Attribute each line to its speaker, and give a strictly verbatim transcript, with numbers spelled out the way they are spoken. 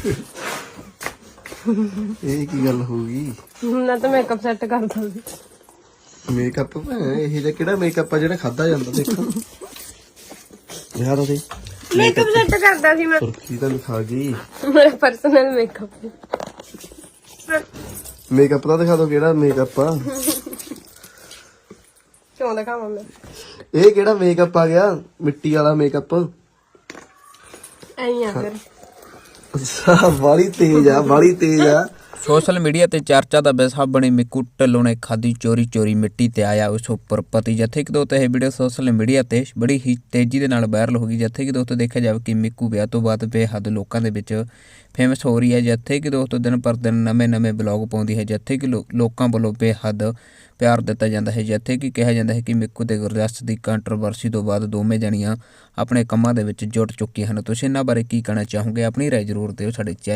Speaker 1: ਇਹ ਕੀ ਗੱਲ ਹੋ ਗਈ?
Speaker 2: ਨਾ ਤਾਂ ਮੇਕਅਪ ਸੈੱਟ ਕਰਦਾ ਸੀ।
Speaker 1: ਮੇਕਅਪ ਇਹ ਜਿਹਾ ਕਿਹੜਾ ਮੇਕਅਪ ਆ ਜਿਹੜਾ ਖਾਦਾ ਜਾਂਦਾ? ਦੇਖੋ ਯਾਰ ਉਹਦੇ
Speaker 2: ਮੇਕਅਪ ਸੈੱਟ ਕਰਦਾ ਸੀ ਮੈਂ।
Speaker 1: ਸੁਰਖੀ ਤਾਂ ਲਿਖਾ ਗਈ।
Speaker 2: ਮੇਰਾ ਪਰਸਨਲ ਮੇਕਅਪ।
Speaker 1: ਮੇਕਅਪ ਦਾ ਦਿਖਾ ਦੋ ਕਿਹੜਾ ਮੇਕਅਪ ਆ।
Speaker 2: ਕਿਉਂ ਦਿਖਾਵਾਂ ਮੈਂ?
Speaker 1: ਇਹ ਕਿਹੜਾ ਮੇਕਅਪ ਆ ਗਿਆ? ਮਿੱਟੀ ਵਾਲਾ ਮੇਕਅਪ।
Speaker 2: ਐਂ ਆ ਫਿਰ।
Speaker 1: ਅੱਛਾ ਵਾਲੀ ਤੇਜ਼ ਆ, ਵਾਲੀ ਤੇਜ਼ ਆ।
Speaker 3: ਸੋਸ਼ਲ ਮੀਡੀਆ ਤੇ ਚਰਚਾ ਦਾ ਵਿਸ਼ਾ ਬਣੀ ਮਿੱਕੂ ਢਿੱਲੋਂ ਨੇ ਖਾਦੀ ਚੋਰੀ ਚੋਰੀ ਮਿੱਟੀ ਤੇ ਆਇਆ ਉਸ ਉੱਪਰ ਪਤੀ। ਜਿੱਥੇ ਕਿ ਦੋਸਤੋ ਇਹ ਵੀਡੀਓ ਸੋਸ਼ਲ ਮੀਡੀਆ ਤੇ ਬੜੀ ਹੀ ਤੇਜ਼ੀ ਦੇ ਨਾਲ ਵਾਇਰਲ ਹੋ ਗਈ। ਜਿੱਥੇ ਕਿ ਦੋਸਤੋ ਦੇਖਿਆ ਜਾਵੇ ਕਿ ਮਿੱਕੂ ਵਿਆਹ ਤੋਂ ਬਾਅਦ ਬੇਹੱਦ ਲੋਕਾਂ ਦੇ ਵਿੱਚ ਫੇਮਸ ਹੋ ਰਹੀ ਹੈ। ਜਿੱਥੇ ਕਿ ਦੋਸਤੋ ਦਿਨ ਪਰ ਦਿਨ ਨਵੇਂ ਨਵੇਂ ਬਲੌਗ ਪਾਉਂਦੀ ਹੈ। ਜਿੱਥੇ ਕਿ ਲੋਕਾਂ ਵੱਲੋਂ ਬੇਹੱਦ ਪਿਆਰ ਦਿੱਤਾ ਜਾਂਦਾ ਹੈ। ਜਿੱਥੇ ਕਿ ਕਿਹਾ ਜਾਂਦਾ ਹੈ ਕਿ ਮਿੱਕੂ ਤੇ ਗੁਰਜਸ ਦੀ ਕੰਟਰੋਵਰਸੀ ਤੋਂ ਬਾਅਦ ਦੋਵੇਂ ਜਣੀਆਂ ਆਪਣੇ ਕੰਮਾਂ ਦੇ ਵਿੱਚ ਜੁਟ ਚੁੱਕੀਆਂ ਹਨ। ਤੁਸੀਂ ਇਹਨਾਂ ਬਾਰੇ ਕੀ ਕਹਿਣਾ ਚਾਹੋਗੇ? ਆਪਣੀ ਰਾਏ ਜ਼ਰੂਰ ਦਿਓ ਸਾਡੇ ਚੈਨਲ